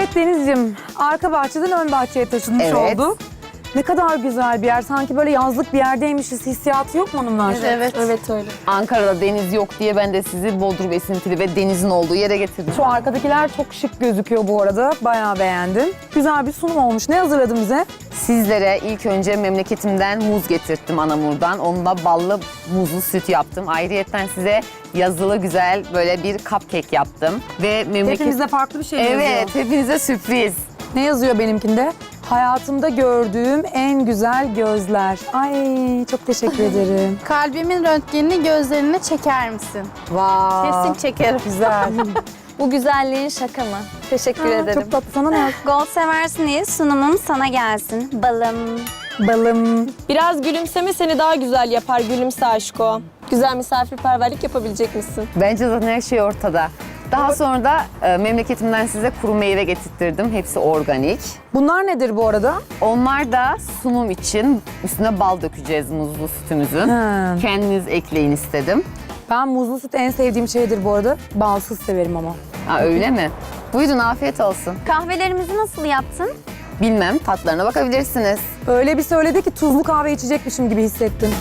Evet Denizciğim, arka bahçeden ön bahçeye taşınmış Evet. olduk. Ne kadar güzel bir yer. Sanki böyle yazlık bir yerdeymişiz. Hissiyatı yok mu hanımlar? Evet öyle. Ankara'da deniz yok diye ben de sizi Bodrum esintili ve denizin olduğu yere getirdim. Şu arkadakiler çok şık gözüküyor bu arada. Bayağı beğendim. Güzel bir sunum olmuş. Ne hazırladın bize? Sizlere ilk önce memleketimden muz getirttim Anamur'dan. Onunla ballı muzlu süt yaptım. Ayrıyeten size yazılı güzel böyle bir cupcake yaptım. Ve Hepimizde farklı bir şey yazıyor. Evet, hepinize sürpriz. Ne yazıyor benimkinde? Hayatımda gördüğüm en güzel gözler. Ay çok teşekkür ederim. Kalbimin röntgenini gözlerine çeker misin? Vay. Kesin çekerim. Güzel. Bu güzelliğin şaka mı? Teşekkür ederim. Çok tatlı. Sana ne yaz? Gold seversin diye sunumum sana gelsin. Balım. Balım. Biraz gülümseme seni daha güzel yapar. Gülümse aşko. Güzel misafirperverlik yapabilecek misin? Bence zaten her şey ortada. Daha sonra da memleketimden size kuru meyve getirttirdim. Hepsi organik. Bunlar nedir bu arada? Onlar da sunum için üstüne bal dökeceğiz muzlu sütümüzün. Ha. Kendiniz ekleyin istedim. Ben muzlu süt en sevdiğim şeydir bu arada. Balsız severim ama. Ha, öyle mi? Buyurun afiyet olsun. Kahvelerimizi nasıl yaptın? Bilmem tatlarına bakabilirsiniz. Öyle bir söyledi ki tuzlu kahve içecekmişim gibi hissettim.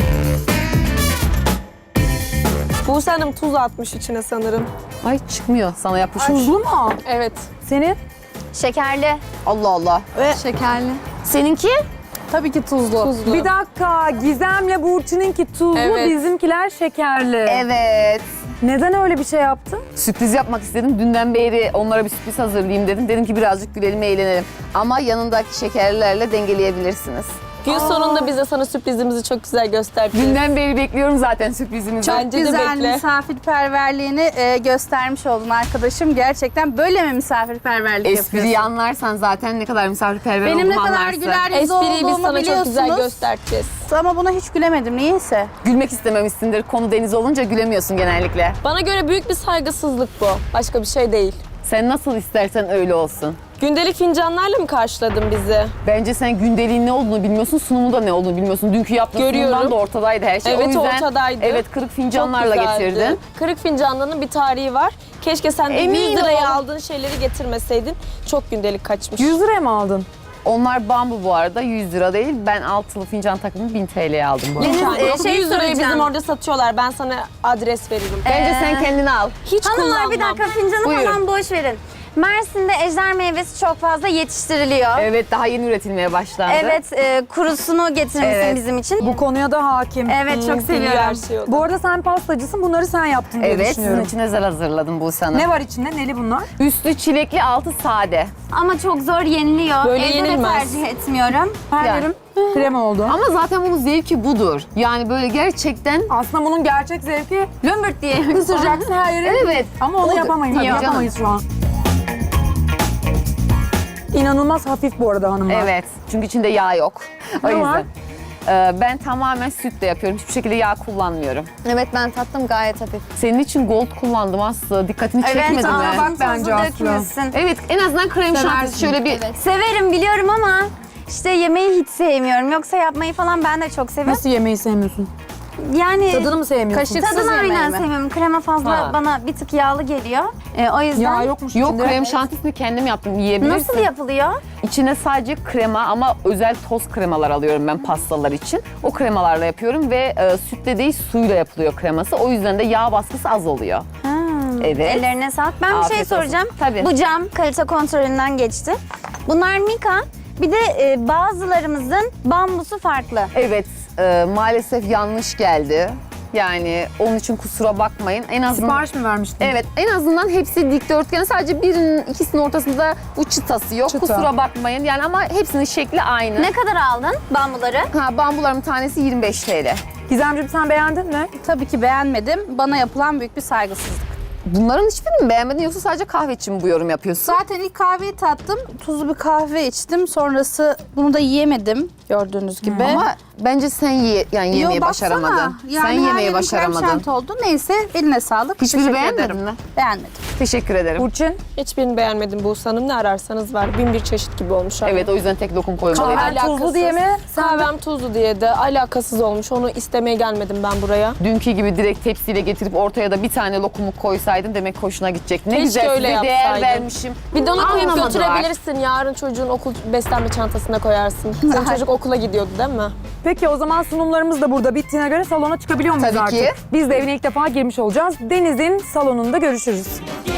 Buse Hanım tuz atmış içine sanırım. Ay çıkmıyor sana yapışmış. Tuzlu mu? Evet. Senin? Şekerli. Allah Allah. Şekerli. Seninki? Tabii ki tuzlu. Tuzlu. Bir dakika. Gizem'le Burçin'inki tuzlu, Evet. bizimkiler şekerli. Evet. Neden öyle bir şey yaptın? Sürpriz yapmak istedim. Dünden beri onlara bir sürpriz hazırlayayım dedim. Dedim ki birazcık gülelim, eğlenelim. Ama yanındaki şekerlerle dengeleyebilirsiniz. Gün sonunda biz de sana sürprizimizi çok güzel göstereceğiz. Dünden beri bekliyorum zaten sürprizimizi. Bence de Güzel bekle. misafirperverliğini göstermiş oldun arkadaşım. Gerçekten böyle mi misafirperverlik Espriyi yapıyorsun? anlarsan zaten ne kadar misafirperver Benim ne olduğumu kadar anlarsın. güler yüzlü Espriyi biz olduğumu sana çok güzel biliyorsunuz. göstereceğiz. Ama buna hiç gülemedim niyeyse. Gülmek istememişsindir. Konu deniz olunca gülemiyorsun genellikle. Bana göre büyük bir saygısızlık bu. Başka bir şey değil. Sen nasıl istersen öyle olsun. Gündelik fincanlarla mı karşıladın bizi? Bence sen gündeliğin ne olduğunu bilmiyorsun, sunumunda ne olduğunu bilmiyorsun. Dünkü yaptığın Görüyorum. sunumdan da ortadaydı her şey. Evet, o yüzden, ortadaydı. Evet, kırık fincanlarla Çok güzeldi. getirdin. Kırık fincanlarının bir tarihi var. Keşke sen de Emin 100 liraya ol. aldığın şeyleri getirmeseydin. Çok gündelik kaçmış. 100 liraya mı aldın? Onlar bambu bu arada, 100 lira değil. Ben altılı fincan takımını 1000 TL'ye aldım bu arada. Deniz, şey 100 liraya soracağım. bizim orada satıyorlar. Ben sana adres veririm. Bence sen kendini al. Hiç Hanımlar kullanmam. bir dakika fincanı Buyurun. falan boş verin. Mersin'de ejder meyvesi çok fazla yetiştiriliyor. Evet, daha yeni üretilmeye başlandı. Evet, kurusunu getirmişsin Evet. bizim için. Bu konuya da hakim. Evet, çok Biliyor her seviyorum. şeyi o da. Bu arada sen pastacısın. Bunları sen yaptın diye Evet, sizin düşünüyorum. için özel hazırladım bu sana. Ne var içinde? Neli bunlar? Üstü çilekli, altı sade. Ama çok zor yeniliyor. Böyle Evde de yenilmez. tercih etmiyorum. Her Yani. yerim krema oldu. Ama zaten bunun zevki budur. Yani böyle gerçekten... Aslında bunun gerçek zevki Lömbürt diye. ısıracaksın her yere. Evet. Ama onu Oldu. yapamayız. Tabii canım. Yapamayız şu an. İnanılmaz hafif bu arada hanımlar. Evet, çünkü içinde yağ yok. O Ne yüzden. var? Ben tamamen sütle yapıyorum. Hiçbir şekilde yağ kullanmıyorum. Evet, ben tattım gayet hafif. Senin için gold kullandım Aslı. Dikkatini çekmedi mi? bak bence Aslı. dökmüşsün. Evet, en azından krem şantisi şöyle bir... Severim biliyorum ama işte yemeği hiç sevmiyorum. Yoksa yapmayı falan ben de çok seviyorum. Nasıl yemeği sevmiyorsun? Yani Tadını mı sevmiyorsun? Kaşık- tadını yemeği aynen mi? sevmiyorum. Krema fazla Ha. bana bir tık yağlı geliyor. O yüzden. Yağ yokmuş Yok, içinde. krem şantisini kendim yaptım. Yiyebilirsin. Nasıl yapılıyor? İçine sadece krema ama özel toz kremalar alıyorum ben pastalar için. O kremalarla yapıyorum ve sütle değil suyla yapılıyor kreması. O yüzden de yağ baskısı az oluyor. Evet. Ellerine sağlık. Ben bir şey Afiyet olsun. soracağım. Tabii. Bu cam kalite kontrolünden geçti. Bunlar Mika. Bir de bazılarımızın bambusu farklı. Evet, maalesef yanlış geldi. Yani onun için kusura bakmayın. En azından... Sipariş mi vermiştin? Evet, en azından hepsi dikdörtgen. Sadece birinin, ikisinin ortasında bu çıtası yok. Çıta. Kusura bakmayın. Yani ama hepsinin şekli aynı. Ne kadar aldın bambuları? Ha, bambuların tanesi 25 TL. Gizemciğim sen beğendin mi? Tabii ki beğenmedim. Bana yapılan büyük bir saygısızlık. Bunların hiçbirini mi beğenmedin yoksa sadece kahve için mi bu yorum yapıyorsun? Zaten ilk kahveyi tattım. Tuzlu bir kahve içtim. Sonrası bunu da yiyemedim. Gördüğünüz gibi. Ama bence sen yemeği Yo, baksana. başaramadın. Yani sen her yemeği yerim başaramadın. krem oldu. Neyse eline sağlık. Hiçbirini Teşekkür beğenmedin ederim. mi? Beğenmedim. Teşekkür ederim. Burçin, Hiçbirini beğenmedim Buse Hanım. Ne ararsanız var. Bin bir çeşit gibi olmuş. abi. Evet, o yüzden tek lokum koymalıydım. kahven tuzlu diye mi? Kahvem tuzlu diye de alakasız olmuş. Onu istemeye gelmedim ben buraya. Dünkü gibi direkt tepsiyle getirip ortaya da bir tane lokumu koysaydın demek hoşuna gidecek. Ne Keşke güzel öyle size değer yapsaydın. vermişim. Bir de onu koyup Anlamadılar. götürebilirsin. Yarın çocuğun okul beslenme çantasına koyarsın. Senin çocuk okula gidiyordu değil mi? Peki o zaman sunumlarımız da burada bittiğine göre salona çıkabiliyor muyuz Tabii artık? ki. Biz de evine ilk defa girmiş olacağız. Deniz'in salonunda görüşürüz.